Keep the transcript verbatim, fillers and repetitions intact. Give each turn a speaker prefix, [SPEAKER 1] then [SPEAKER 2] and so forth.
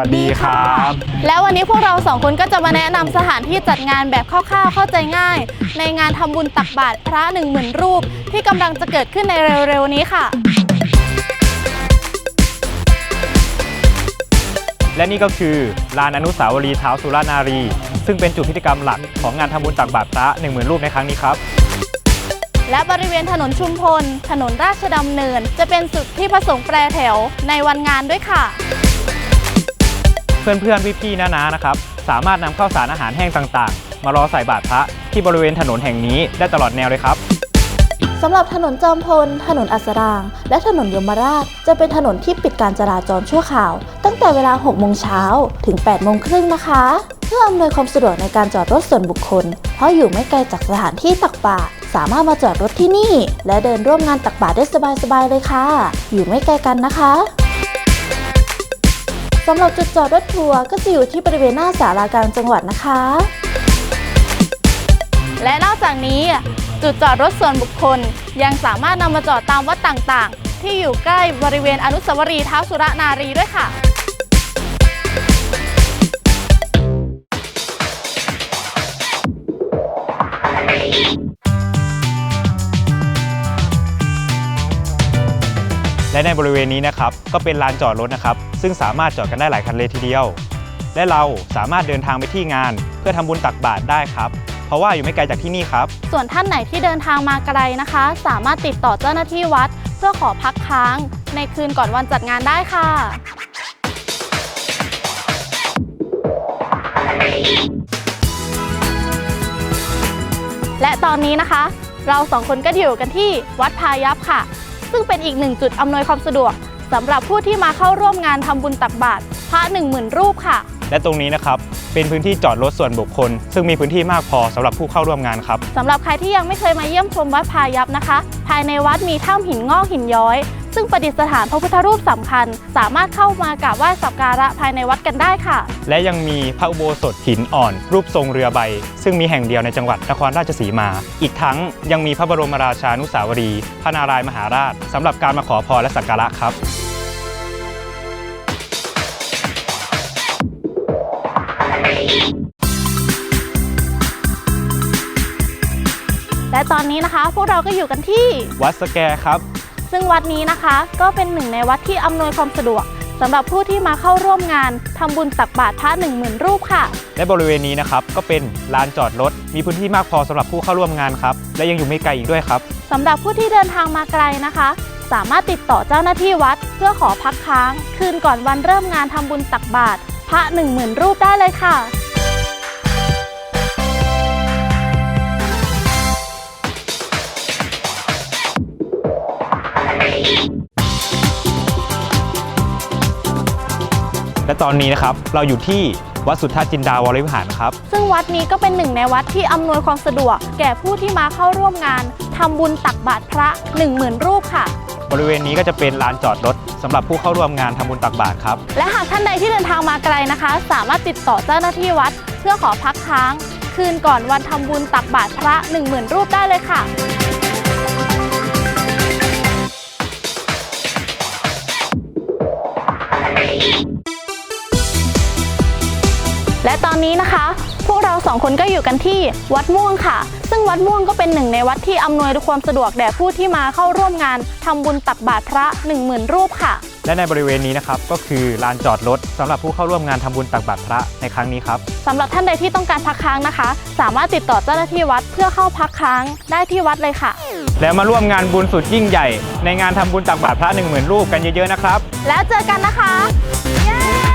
[SPEAKER 1] วัสดีครับ
[SPEAKER 2] แล้ววันนี้พวกเราสองคนก็จะมาแนะนำสถานที่จัดงานแบบคร่าวๆเข้าใจง่ายในงานทำบุญตักบาตรพระหนึ่งหมื่นรูปที่กำลังจะเกิดขึ้นในเร็วๆนี้ค่ะ
[SPEAKER 1] และนี่ก็คือลานอนุสาวรีย์ท้าวสุรนารีซึ่งเป็นจุดพิธีกรรมหลักของงานทำบุญตักบาตรพระ หนึ่งหมื่น รูปในครั้งนี้ครับ
[SPEAKER 2] และบริเวณถนนชุมพลถนนราชดำเนินจะเป็นจุดที่พระสงฆ์แปรแถวในวันงานด้วยค่ะ
[SPEAKER 1] เพื่อนๆพี่ๆน้าๆนะครับสามารถนำข้าวสารอาหารแห้งต่างๆมารอใส่บาตรพระที่บริเวณถนนแห่งนี้ได้ตลอดแนวเลยครับ
[SPEAKER 3] สำหรับถนนจอมพลถนนอัสรางและถนนยมราชจะเป็นถนนที่ปิดการจราจรชั่วคราวตั้งแต่เวลาหกโมงเช้าถึงแปดโมงครึ่งนะคะเพื่ออำนวยความสะดวกในการจอดรถส่วนบุคคลเพราะอยู่ไม่ไกลจากสถานที่ตักบาตรสามารถมาจอดรถที่นี่และเดินร่วมงานตักบาตรได้สบายๆเลยค่ะอยู่ไม่ไกลกันนะคะสำหรับจุดจอดรถทัวร์ก็จะอยู่ที่บริเวณหน้าศาลากลางจังหวัดนะคะ
[SPEAKER 2] และนอกจากนี้จุดจอดรถส่วนบุคคลยังสามารถนำมาจอดตามวัดต่างๆที่อยู่ใกล้บริเวณอนุสาวรีย์ท้าวสุรนารีด้วยค่ะ
[SPEAKER 1] และในบริเวณนี้นะครับก็เป็นลานจอดรถนะครับซึ่งสามารถจอดกันได้หลายคันเลยทีเดียวและเราสามารถเดินทางไปที่งานเพื่อทำบุญตักบาตรได้ครับเพราะว่าอยู่ไม่ไกลจากที่นี่ครับ
[SPEAKER 2] ส่วนท่านไหนที่เดินทางมาไกลนะคะสามารถติดต่อเจ้าหน้าที่วัดเพื่อขอพักค้างในคืนก่อนวันจัดงานได้ค่ะและตอนนี้นะคะเราสองคนก็อยู่กันที่วัดพายัพค่ะซึ่งเป็นอีกหนึ่งจุดอำนวยความสะดวกสำหรับผู้ที่มาเข้าร่วมงานทำบุญตักบาตรพระ หนึ่งหมื่น รูปค่ะ
[SPEAKER 1] และตรงนี้นะครับเป็นพื้นที่จอดรถส่วนบุคคลซึ่งมีพื้นที่มากพอสำหรับผู้เข้าร่วมงานครับ
[SPEAKER 2] สำหรับใครที่ยังไม่เคยมาเยี่ยมชมวัดพายัพนะคะภายในวัดมีถ้ำหินงอกหินย้อยซึ่งประดิษฐานพระพุทธรูปสำคัญสามารถเข้ามากราบไหว้สักการะภายในวัดกันได้ค่ะ
[SPEAKER 1] และยังมีพระอุโบสถหินอ่อนรูปทรงเรือใบซึ่งมีแห่งเดียวในจังหวัดนครราชสีมาอีกทั้งยังมีพระบรมราชานุสาวรีย์พระนารายณ์มหาราชสำหรับการมาขอพรและสักการะครับ
[SPEAKER 2] และตอนนี้นะคะพวกเราก็อยู่กันที่
[SPEAKER 1] วัดสแกครับ
[SPEAKER 2] ซึ่งวัดนี้นะคะก็เป็นหนึ่งในวัดที่อำนวยความสะดวกสำหรับผู้ที่มาเข้าร่วมงานทำบุญตักบาตรพระ หนึ่งหมื่น รูปค่ะ
[SPEAKER 1] และบริเวณนี้นะครับก็เป็นลานจอดรถมีพื้นที่มากพอสำหรับผู้เข้าร่วมงานครับและยังอยู่ไม่ไกลอีกด้วยครับ
[SPEAKER 2] สำหรับผู้ที่เดินทางมาไกลนะคะสามารถติดต่อเจ้าหน้าที่วัดเพื่อขอพักค้างคืนก่อนวันเริ่มงานทำบุญตักบาตรพระ หนึ่งหมื่น รูปได้เลยค่ะ
[SPEAKER 1] และตอนนี้นะครับเราอยู่ที่วัดสุทธาจินดาวรวิหารครับ
[SPEAKER 2] ซึ่งวัดนี้ก็เป็นหนึ่งในวัดที่อำนวยความสะดวกแก่ผู้ที่มาเข้าร่วมงานทำบุญตักบาตรพระ หนึ่งหมื่น รูปค่ะ
[SPEAKER 1] บริเวณนี้ก็จะเป็นลานจอดรถสำหรับผู้เข้าร่วมงานทำบุญตักบาตรครับ
[SPEAKER 2] และหากท่านใดที่เดินทางมาไกลนะคะสามารถติดต่อเจ้าหน้าที่วัดเพื่อขอพักค้างคืนก่อนวันทำบุญตักบาตรพระ หนึ่งหมื่น รูปได้เลยค่ะและตอนนี้นะคะพวกเราสองคนก็อยู่กันที่วัดม่วงค่ะซึ่งวัดม่วงก็เป็นหนึ่งในวัดที่อำนวยความสะดวกแด่ผู้ที่มาเข้าร่วมงานทำบุญตักบาตรพระ หนึ่งหมื่น รูปค่ะ
[SPEAKER 1] และในบริเวณนี้นะครับก็คือลานจอดรถสำหรับผู้เข้าร่วมงานทำบุญตักบาตรพระในครั้งนี้ครับ
[SPEAKER 2] สำหรับท่านใดที่ต้องการพักค้างนะคะสามารถติดต่อเจ้าหน้าที่วัดเพื่อเข้าพักค้างได้ที่วัดเลยค่ะ
[SPEAKER 1] แล้วมาร่วมงานบุญสุดยิ่งใหญ่ในงานทำบุญตักบาตรพระ หนึ่งหมื่น รูปกันเยอะๆนะครับ
[SPEAKER 2] แล้วเจอกันนะคะเย้